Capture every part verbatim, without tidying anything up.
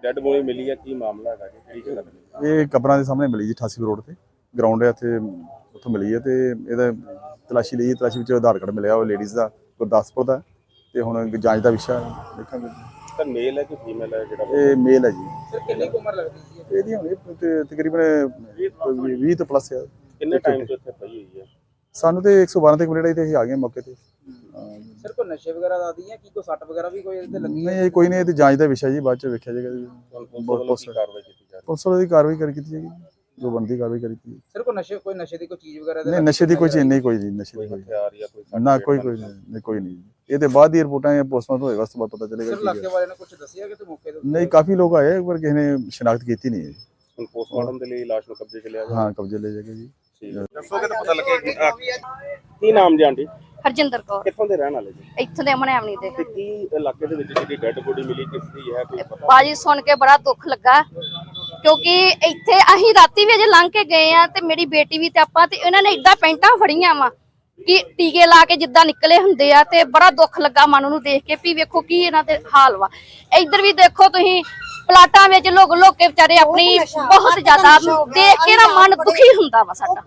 Dead body ਮਿਲੀ ਹੈ, ਕੀ ਮਾਮਲਾ ਹੈਗਾ ਜੀ, ਕਿਹੜੀ ਜਗ੍ਹਾ ਤੇ? ਇਹ ਕਬਰਾਂ ਦੇ ਸਾਹਮਣੇ ਮਿਲੀ ਜੀ, ਅਠਾਸੀ ਰੋਡ ਤੇ ਗਰਾਊਂਡ ਹੈ ਇੱਥੇ, ਉੱਥੋਂ ਮਿਲੀ ਹੈ। ਤੇ ਇਹਦਾ ਤਲਾਸ਼ੀ ਲਈ, ਤਲਾਸ਼ੀ ਵਿੱਚ ਆਧਾਰ ਕਾਰਡ ਮਿਲਿਆ, ਉਹ ਲੇਡੀਜ਼ ਦਾ ਗੁਰਦਾਸਪੁਰ ਦਾ, ਤੇ ਹੁਣ ਜਾਂਚ ਦਾ ਵਿਸ਼ਾ ਦੇਖਾਂਗੇ। ਸਰ ਮੇਲ ਹੈ ਕਿ ਫੀਮੇਲ ਹੈ ਜਿਹੜਾ? ਇਹ ਮੇਲ ਹੈ ਜੀ। ਸਰ ਕਿੰਨੀ ਉਮਰ ਲੱਗਦੀ ਸੀ ਇਹਦੀ ਹੁਣ ਤਕਰੀਬਨ ਵੀਹ ਤੋਂ ਪਲੱਸ ਹੈ। ਕਿੰਨੇ ਟਾਈਮ ਤੋਂ ਇੱਥੇ ਪਈ ਹੋਈ ਹੈ? ਸਾਨੂੰ ਤੇ ਇੱਕ ਸੌ ਬਾਰਾਂ ਤੇ ਕੰਪਲੇਂਟ ਆਈ ਤੇ ਅਸੀਂ ਆ ਗਏ ਮੌਕੇ ਤੇ। ਸਰ ਕੋਈ ਨਸ਼ੇ ਵਗੈਰਾ ਦਾ ਆਦੀ ਹੈ ਕੀ, ਕੋਈ ਸੱਟ ਵਗੈਰਾ ਵੀ ਕੋਈ ਇਹਦੇ ਲੱਗੀ? ਨਹੀਂ ਕੋਈ ਨਹੀਂ, ਇਹ ਤੇ ਜਾਂਚ ਦਾ ਵਿਸ਼ਾ ਜੀ, ਬਾਅਦ ਚ ਵੇਖਿਆ ਜਾਏਗਾ ਜੀ। ਪੁਲਿਸ ਵੱਲੋਂ ਕਾਰਵਾਈ ਕੀਤੀ ਜਾ ਰਹੀ ਹੈ? ਪੁਲਿਸ ਵੱਲੋਂ ਦੀ ਕਾਰਵਾਈ ਕਰ ਕੀਤੀ ਜਾਏਗੀ, ਜੋ ਬਣਦੀ ਕਾਰਵਾਈ ਕਰੀ ਕੀਤੀ। ਸਰ ਕੋਈ ਨਸ਼ੇ ਕੋਈ ਨਸ਼ੇ ਦੀ ਕੋਈ ਚੀਜ਼ ਵਗੈਰਾ? ਨਹੀਂ ਨਸ਼ੇ ਦੀ ਕੋਈ ਚੀਜ਼ ਨਹੀਂ, ਕੋਈ ਨਹੀਂ ਨਸ਼ੇ ਦੀ ਕੋਈ ਹਥਿਆਰ ਜਾਂ ਕੋਈ ਨਾ, ਕੋਈ ਕੋਈ ਨਹੀਂ, ਕੋਈ ਨਹੀਂ। ਇਹ ਤੇ ਬਾਅਦ ਦੀ ਰਿਪੋਰਟਾਂ ਜਾਂ ਪੋਸਟਮਾਰਟਮ ਹੋਏਗਾ, ਉਸ ਤੋਂ ਬਾਅਦ ਪਤਾ ਚੱਲੇਗਾ। ਸਰ ਇਲਾਕੇ ਵਾਲਿਆਂ ਨੇ ਕੁਝ ਦੱਸਿਆ ਕਿ ਤੇ ਮੌਕੇ ਤੇ? ਨਹੀਂ ਕਾਫੀ ਲੋਕ ਆਏ, ਪਰ ਕਿਸੇ ਨੇ ਸ਼ਨਾਖਤ ਕੀਤੀ ਨਹੀਂ ਹੈ। ਹੁਣ ਪੋਸਟਮਾਰਟਮ ਦੇ ਲਈ ਲਾਸ਼ ਨੂੰ ਕਬਜ਼ੇ 'ਚ ਲਿਆ ਜਾ? ਹਾਂ ਕਬਜ਼ੇ ਲੈ ਜਾਏਗਾ ਜੀ। ਦੱਸੋਗੇ ਤਾਂ ਪਤਾ ਲੱਗੇਗਾ। ਕੀ ਨਾਮ ਜੀ ਆਂਟੀ? ਹਰਜਿੰਦਰ ਕੌਰ। ਕਿੱਥੋਂ ਦੇ ਰਹਿਣ ਵਾਲੇ ਜੀ? ਇੱਥੋਂ ਦੇ ਅਮਨੇ ਆਵਣੀ ਦੇ। ਤੇ ਕੀ ਇਲਾਕੇ ਦੇ ਵਿੱਚ ਜਿਹੜੀ ਡੈਡ ਬੋਡੀ ਮਿਲੀ ਕਿਸ ਦੀ ਹੈ, ਕੋਈ ਪਤਾ? ਬਾਜੀ ਸੁਣ ਕੇ ਬੜਾ ਦੁੱਖ ਲੱਗਾ, ਕਿਉਂਕਿ ਇੱਥੇ ਅਸੀਂ ਰਾਤੀ ਵੀ ਅਜੇ ਲੰਘ ਕੇ ਗਏ ਆ, ਤੇ ਮੇਰੀ ਬੇਟੀ ਵੀ ਤੇ ਆਪਾਂ ਤੇ ਇਹਨਾਂ ਨੇ ਏਦਾਂ ਪੈਂਟਾਂ ਫੜੀਆਂ ਵਾ ਕਿ ਟੀਕੇ ਲਾ ਕੇ ਜਿੱਦਾਂ ਨਿਕਲੇ ਹੁੰਦੇ ਆ, ਤੇ ਬੜਾ ਦੁੱਖ ਲੱਗਾ ਮਨ ਨੂੰ ਦੇਖ ਕੇ ਵੀ ਵੇਖੋ ਕੀ ਇਹਨਾਂ ਦੇ ਹਾਲ ਵਾ। ਇੱਧਰ ਵੀ ਦੇਖੋ ਤੁਸੀਂ, ਪਲਾਟਾਂ ਵਿੱਚ ਲੋਕ ਲੋਕ ਕੇ ਵਿਚਾਰੇ ਆਪਣੀ ਬਹੁਤ ਜ਼ਿਆਦਾ ਦੇਖ ਕੇ ਨਾ ਮਨ ਦੁਖੀ ਹੁੰਦਾ ਵਾ ਸਾਡਾ।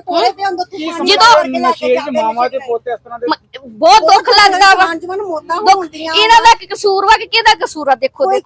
ਜਦੋਂ ਮਾਮਾ ਦੇ ਪੋਤੇ ਇਸ ਤਰ੍ਹਾਂ ਦੇ ਬਹੁਤ ਦੁੱਖ ਲੱਗਦਾ ਵਾ, ਇਹਨਾਂ ਦਾ ਕੀ ਕਸੂਰ ਵਾ ਕਿ ਕਿਹਦਾ ਕਸੂਰ ਆ? ਦੇਖੋ ਪੁਲਿਸ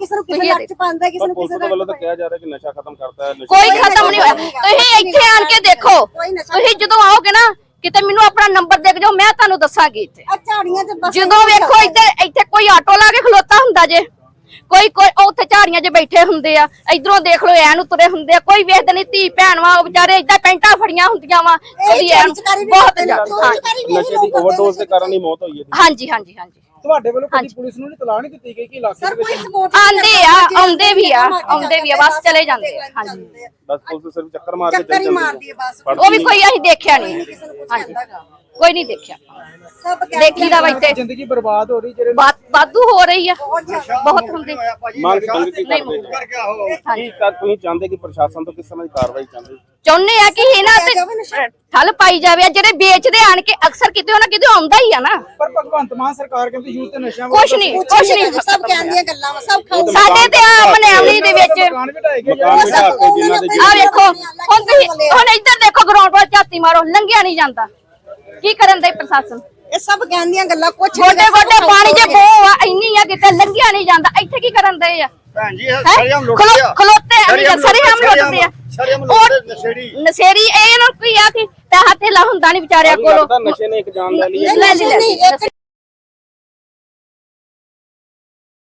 ਵੱਲੋਂ ਤਾਂ ਕਿਹਾ ਜਾ ਰਿਹਾ ਕਿ ਨਸ਼ਾ ਖਤਮ ਕਰਤਾ ਹੈ। ਕੋਈ ਖਤਮ ਨਹੀਂ ਹੋਇਆ। ਤੁਸੀਂ ਇੱਥੇ ਆਣ ਕੇ ਦੇਖੋ, ਤੁਸੀਂ ਜਦੋਂ ਆਓਗੇ ਨਾ ਕਿਤੇ ਮੈਨੂੰ ਆਪਣਾ ਨੰਬਰ ਦੇ ਜਾਓ, ਮੈਂ ਤੁਹਾਨੂੰ ਦੱਸਾਂਗੀ। ਇੱਥੇ ਜਦੋਂ ਵੇਖੋ ਇੱਧਰ ਇੱਥੇ ਕੋਈ ਆਟੋ ਲਾ ਕੇ ਖਲੋਤਾ ਹੁੰਦਾ ਜੇ, ਕੋਈ ਕੋਈ ਉੱਥੇ ਝਾੜੀਆਂ 'ਚ ਬੈਠੇ ਹੁੰਦੇ ਆ, ਇਧਰੋਂ ਦੇਖ ਲਓ ਐਨ ਉਤਰੇ ਹੁੰਦੇ ਆ, ਕੋਈ ਵੇਖਦੇ ਨਹੀਂ। ਧੀ ਭੈਣ ਵਾ ਵਿਚਾਰੇ ਏਦਾਂ ਪੈਂਟਾਂ ਫੜੀਆਂ ਹੁੰਦੀਆਂ ਵਾ, ਉਹਦੀ ਐਨ ਬਹੁਤ ਜ਼ਿਆਦਾ। ਨਸ਼ੇ ਦੀ ਓਵਰਡੋਜ਼ ਦੇ ਕਾਰਨ ਹੀ ਮੌਤ ਹੋਈ ਹੈ। ਹਾਂਜੀ ਹਾਂਜੀ ਹਾਂਜੀ। ਤੁਹਾਡੇ ਵੱਲੋਂ ਕਦੀ ਪੁਲਿਸ ਨੂੰ ਨਹੀਂ ਤਲਾਹ ਨਹੀਂ ਦਿੱਤੀ ਗਈ ਕਿ ਇਲਾਕੇ ਦੇ ਵਿੱਚ? ਆਂਦੇ ਆ, ਆਉਂਦੇ ਵੀ ਆ, ਆਉਂਦੇ ਵੀ ਆ, ਬਸ ਚਲੇ ਜਾਂਦੇ ਆ। ਹਾਂਜੀ ਬਸ ਪੁਲਿਸ ਸਿਰਫ ਚੱਕਰ ਮਾਰ ਕੇ ਚੱਲ ਜਾਂਦੀ ਹੈ, ਉਹ ਵੀ ਕੋਈ ਅਸੀਂ ਦੇਖਿਆ ਨਹੀਂ। ਹਾਂਜੀ ਕੋਈ ਨਹੀਂ ਦੇਖਿਆ, ਦੇਖੀ ਦਾ ਵਾ ਇੱਥੇ ਜ਼ਿੰਦਗੀ ਬਰਬਾਦ ਹੋ ਰਹੀ, ਜਿਹੜੇ ਵਾਧੂ ਹੋ ਰਹੀ ਆ, ਬਹੁਤ ਹੁੰਦੀ। ਮੰਗ ਮੰਗ ਕੀ ਕਰਦੇ ਕੀ ਤਾਂ ਤੁਸੀਂ ਚਾਹੁੰਦੇ ਕਿ ਪ੍ਰਸ਼ਾਸਨ ਤੋਂ ਕਿਸ ਤਰ੍ਹਾਂ ਦੀ ਕਾਰਵਾਈ ਚਾਹੁੰਦੇ? ਚਾਹੁੰਦੇ ਆ ਕਿ ਇਹਨਾਂ ਤੇ ਠੱਲ ਪਾਈ ਜਾਵੇ। ਜਿਹੜੇ ਵੇਚਦੇ ਆਣ ਕੇ ਅਕਸਰ ਕਿਤੇ ਉਹਨਾਂ ਕਿਤੇ ਆਉਂਦਾ ਹੀ ਆ ਨਾ। ਪਰ ਭਗਵੰਤ ਮਾਨ ਸਰਕਾਰ ਕਹਿੰਦੀ ਯੂਥ ਤੇ ਨਸ਼ਿਆਂ ਕੁਛ ਨਹੀਂ, ਕੁਛ ਨਹੀਂ। ਸਭ ਕਹਿੰਦੀਆਂ ਗੱਲਾਂ ਵਾ, ਸਭ ਖਾਓ। ਸਾਡੇ ਤੇ ਆ ਮਨਿਆਵਲੀ ਦੇ ਵਿੱਚ ਮਕਾਨ ਵੀ ਢਾਏ ਗਏ। ਮਕਾਨ ਬਿਠਾ ਕੇ ਜਿਨ੍ਹਾਂ ਦੇ ਆ ਵੇਖੋ, ਹੁਣ ਤੁਸੀਂ ਹੁਣ ਇੱਧਰ ਦੇਖੋ, ਗਰਾਊਂਡ ਵੱਲ ਝਾਤੀ ਮਾਰੋ, ਲੰਘਿਆ ਨਹੀਂ ਜਾਂਦਾ। ਕੀ ਕਰਨ ਦੇ ਪ੍ਰਸ਼ਾਸਨ? ਇਹ ਸਭ ਕਹਿੰਦੀਆਂ ਗੱਲਾਂ, ਕੁਛ ਗੋਡੇ ਗੋਡੇ ਪਾਣੀ ਜੇ ਬੋ ਆ ਇੰਨੀ ਆ ਕਿਤੇ ਲੰਘਿਆ ਨਹੀਂ ਜਾਂਦਾ। ਇੱਥੇ ਕੀ ਕਰਨ ਦੇ ਆ? ਭੈਣ ਜੀ ਸਰੀਆਮ ਲੁੱਟਦੇ ਆ, ਖਲੋਤੇ ਸਰੀਆਮ ਲੁੱਟਦੇ ਆ, ਸਰੀਆਮ ਲੁੱਟਦੇ ਨਸ਼ੇੜੀ ਨਸ਼ੇੜੀ। ਇਹ ਇਹਨਾਂ ਨੂੰ ਕੀ ਆ ਕਿ ਪੈਸਾ ਧੇਲਾ ਹੁੰਦਾ ਨਹੀਂ ਵਿਚਾਰਿਆਂ ਕੋਲੋਂ। ਨਸ਼ੇ ਨੇ ਇੱਕ ਜਾਨ ਲੈ ਲਈ ਹੈ। ਲੈ ਲਈ, ਲੈ ਲਈ।